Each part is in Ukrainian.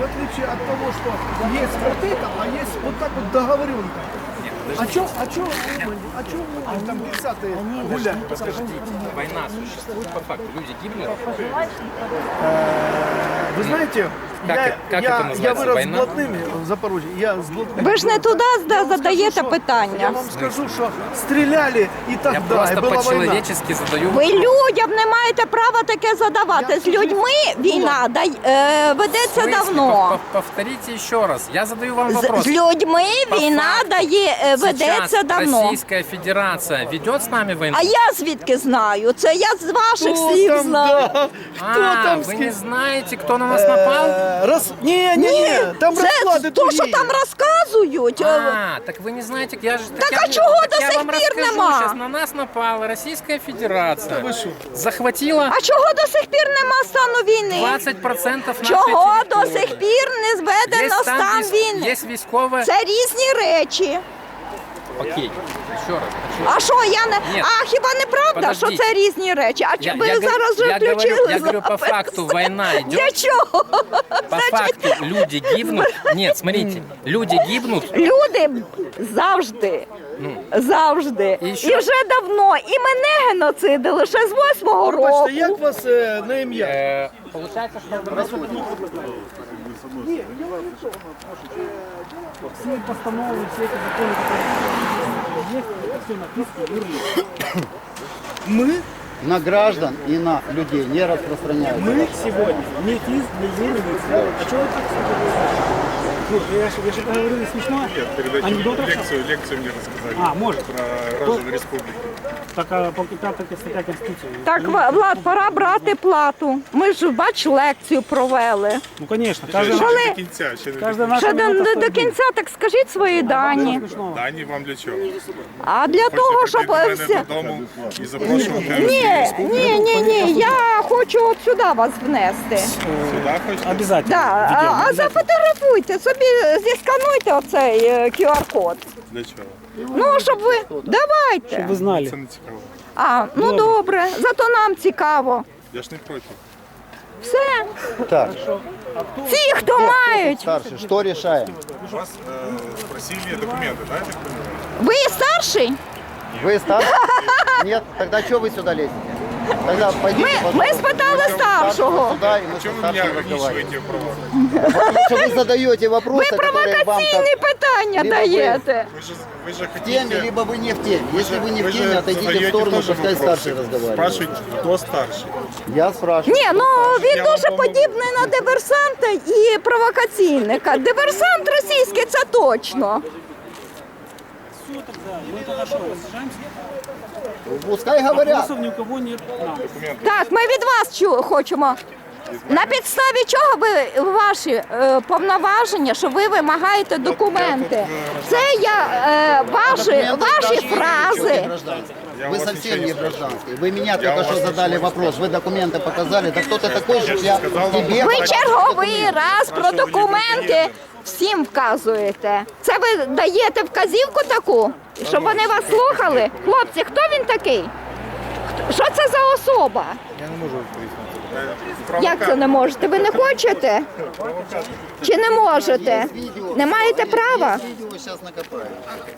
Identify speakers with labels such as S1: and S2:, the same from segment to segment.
S1: отличие от того, что есть вот это, а есть вот так вот договоренка. А чё там 30-е гуляют?
S2: Подождите, война существует по факту, люди гибнут.
S1: Вы знаете,
S2: Как это называется?
S1: я вырос
S2: Война?
S1: с блатными в Запорожье. Я с блатными.
S3: Ви ж не туди задаєте
S1: Я
S3: питання.
S1: вам скажу, что стреляли и
S2: Я
S1: тогда, и
S2: просто
S1: была война.
S2: по-человечески задаю
S3: Ви людям не маєте права таке задавати. З людьми війна ведеться
S2: В смысле?
S3: давно.
S2: Повторите еще раз. Я задаю вам вопрос.
S3: З людьми
S2: По
S3: війна
S2: факту,
S3: ведеться
S2: Сейчас
S3: давно.
S2: Российская Федерация ведет с нами войну?
S3: А я звідки знаю? Це я з ваших
S1: Кто
S3: слів
S1: там,
S3: знаю.
S1: да? Кто там
S2: Вы
S1: с
S2: не
S1: кем?
S2: знаете, кто на нас напал?
S1: Не, там расклады
S3: Це то, що
S1: другие.
S3: там розказують.
S2: Так вы не знаете, я же...
S3: Так
S2: я,
S3: а чого
S2: так
S3: до
S2: я
S3: сих
S2: вам
S3: пір
S2: расскажу.
S3: нема?
S2: Сейчас на нас напала Российская Федерация.
S1: ви що?
S2: Захватила
S3: А чого до сих пір нема стану війни?
S2: 20% нашей
S3: Чого до
S2: территории.
S3: сих пір не зведено
S2: Есть там
S3: стан війни?
S2: есть військове...
S3: Це різні речі.
S2: Окей, еще раз.
S3: А що я не
S2: Ні.
S3: а хіба не правда, що
S2: Подождіть.
S3: це різні речі? А чи ви
S2: я
S3: зараз вже
S2: говорю,
S3: включили?
S2: я говорю, по
S3: запис?
S2: факту война идет.
S3: Для чого?
S2: По факту люди гибнут. Нет, смотрите, люди гибнут.
S3: Люди завжди. Завжди.
S2: І
S3: І
S2: що?
S3: вже давно. І мене геноцидили ще з 8-го року.
S1: Бачите, як вас на ім'я?
S2: Получается, что
S4: Все постановы, все эти законы, которые есть, это все написано юрлицо.
S1: Ми?
S5: На граждан и на людей не распространяется.
S4: Мы сегодня не ФИЗ, не юрлицо. А что вы так сказали? Ну, я же говорю, не смешно.
S6: Нет, передайте
S4: Анекдот
S6: лекцию мне рассказали.
S4: А, может.
S6: Про граждан республики.
S4: Так, а по 5 стаття Конституції.
S3: Так, Влад, пора брати плату. Ми ж, бач, лекцію провели.
S4: Ну, конечно.
S6: Ще
S4: Каждый,
S6: не
S3: Коли-
S6: до кінця, ще не до
S4: каждая
S6: кінця.
S4: наша
S3: Ще
S4: минута
S3: до
S4: стоит
S3: кінця, так скажіть свої дані.
S4: смешного.
S6: Дані вам для чого?
S3: А для того,
S6: Хочете
S3: щоб
S6: прийти до
S3: всі...
S6: мене додому і запрошувати
S3: Ні, я хочу от сюди вас внести.
S6: сюди хочете?
S4: Обязательно.
S3: Да,
S4: Ведем,
S3: а зафотографуйте, собі зіскануйте оцей QR-код.
S6: Для чого?
S3: Ну, щоб ви... Давайте.
S4: Вы знали.
S6: Це не цікаво.
S3: А, ну добре, зато нам цікаво.
S6: Я ж не проти.
S3: Все.
S5: Так,
S3: Ті, хто мають.
S5: старший, что решаем?
S6: Вас просили документи, да, я так понимаю?
S3: Ви старший?
S5: Вы старший? Нет? Тогда что вы сюда лезете? Тогда пойдите,
S3: Ми спитали старшого.
S5: сюда, и мы со
S6: Чому ви мене
S5: старшим разговариваем.
S6: ограничуєте в правах?
S5: Потому что вы задаете
S3: Ви
S5: вопросы, которые вам
S3: провокаційні
S5: так
S3: питання
S5: Либо
S3: даєте.
S6: Ви ж
S5: в теме,
S6: хотите...
S5: либо вы не в теме. Если вы не в
S6: же
S5: теме, отойдите в
S6: задаете
S5: сторону,
S6: тоже
S5: пускай
S6: вопросы.
S5: старший разговаривает.
S6: Спрашиваете, хто старший?
S5: Я спрашиваю.
S3: Ні, ну він
S6: Я вам
S3: дуже
S6: помогу.
S3: подібний на диверсанта і провокаційника. Диверсант російський, це точно.
S4: Все тогда. Мы тогда что, рассажаемся?
S5: Пускай говорят.
S4: Вопросов ни у кого нет.
S3: Так, ми від вас хочемо. На підставі чого ви ваші повноваження, що ви вимагаєте документи? Це ваші фрази.
S6: Я у
S5: Вы
S6: вас
S5: совсем
S6: ничего
S5: не
S6: не
S5: гражданский. Вы меня
S6: Я
S5: только
S6: у
S5: что
S6: вас
S5: задали
S6: ничего не
S5: вопрос. Вы документы показали. Да кто ты такой, что я
S6: сказал вам,
S5: тебе...
S3: Ви
S6: Бачите,
S3: черговий раз про
S6: Спрашивали,
S3: документи
S6: ви
S3: всім вказуєте. Це ви даєте вказівку таку, щоб вони вас слухали? Хлопці, хто він такий? Що це за особа? Як це не можете? Ви не хочете? Чи не можете? Не маєте права?
S5: Видео сейчас накопаю.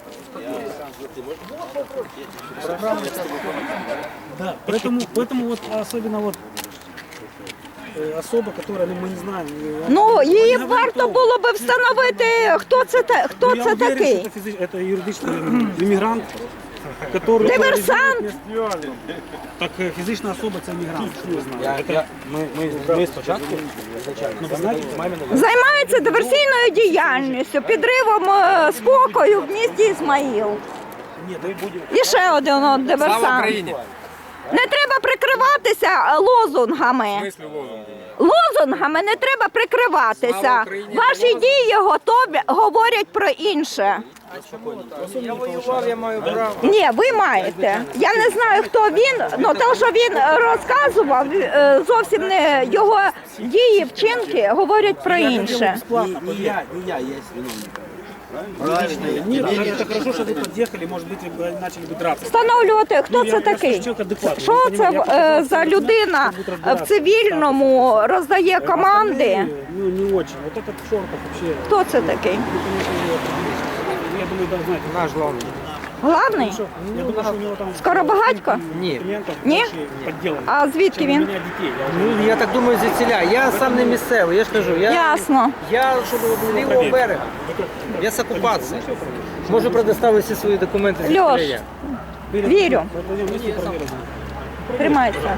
S4: Да, поэтому вот особенно вот особа, которая, ну, мы не знаем.
S3: Ну, її
S4: Вона
S3: варто
S4: готова.
S3: було би встановити, хто це
S4: Ну, я уверен,
S3: такий.
S4: что это юридичный иммигрант, который...
S3: Диверсант?
S4: Так фізична особа це мігрант, що ви знаєте.
S7: Ми спочатку
S4: Ну, ви знаєте,
S3: Займається диверсійною діяльністю, підривом спокою в місті Ізмаїл. І ще один
S2: Слава
S3: диверсант.
S2: Україні!
S3: Не треба прикриватися лозунгами.
S2: Мислю лозунги.
S3: Лозунгами не треба
S2: Слава
S3: прикриватися.
S2: Україні!
S3: Ваші дії готові говорять про інше.
S7: я воював, я маю право.
S3: Ні, ви маєте. Я не знаю, хто він, але те, що він розказував, зовсім не його дії, вчинки говорять про інше.
S7: Не я є виновник.
S4: Нет, это хорошо, что вы подъехали, может быть, вы начали бы драться.
S3: Встановлювати, хто
S4: Я
S3: це такий?
S4: человек адекватный.
S3: Що
S4: я
S3: це
S4: понимаю,
S3: за людина в цивільному роздає команди?
S4: Ну, не очень. Вот этот в шортах вообще,
S3: Хто це такий?
S4: вы, конечно, его определите. Я думаю, да, знаете.
S7: Наш главный.
S3: Главний?
S4: Я думаю, что у него там...
S3: Скоробагатько?
S7: Ні.
S4: Клиентов
S3: Не?
S4: больше подделано.
S3: А звідки
S4: Чем у
S3: він?
S4: меня детей. Я уже
S7: Ну, я так думаю, звідсіля. Я сам не місцевий, я ж кажу.
S3: Ясно.
S7: Я з лівого берега. Я з окупації. Можу предоставити всі свої документи з
S3: Льош,
S7: я.
S3: вірю.
S4: пойдем вместе проверим.
S3: Тримайся.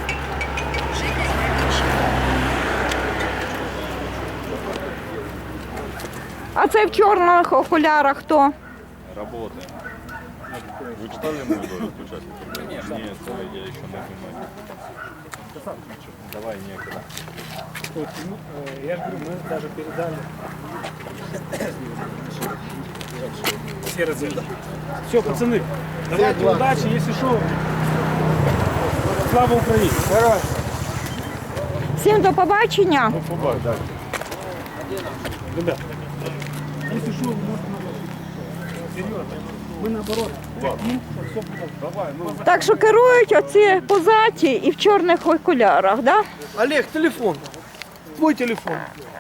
S3: А це в чорних окулярах хто?
S6: Работаем. Вы читали мою долю участников? Нет, я еще не понимаю. Давай некогда.
S4: Вот, ну, я же говорю, мы даже передали все разы. Все, пацаны, давайте удачи, если что. Слава Украине!
S3: Всім до побачення.
S4: Ребят, если что, серьезно, мы наоборот хотим, чтобы все было.
S3: Так що керують оці позаті і в чорних окулярах, да?
S1: Олег, телефон. Твой телефон.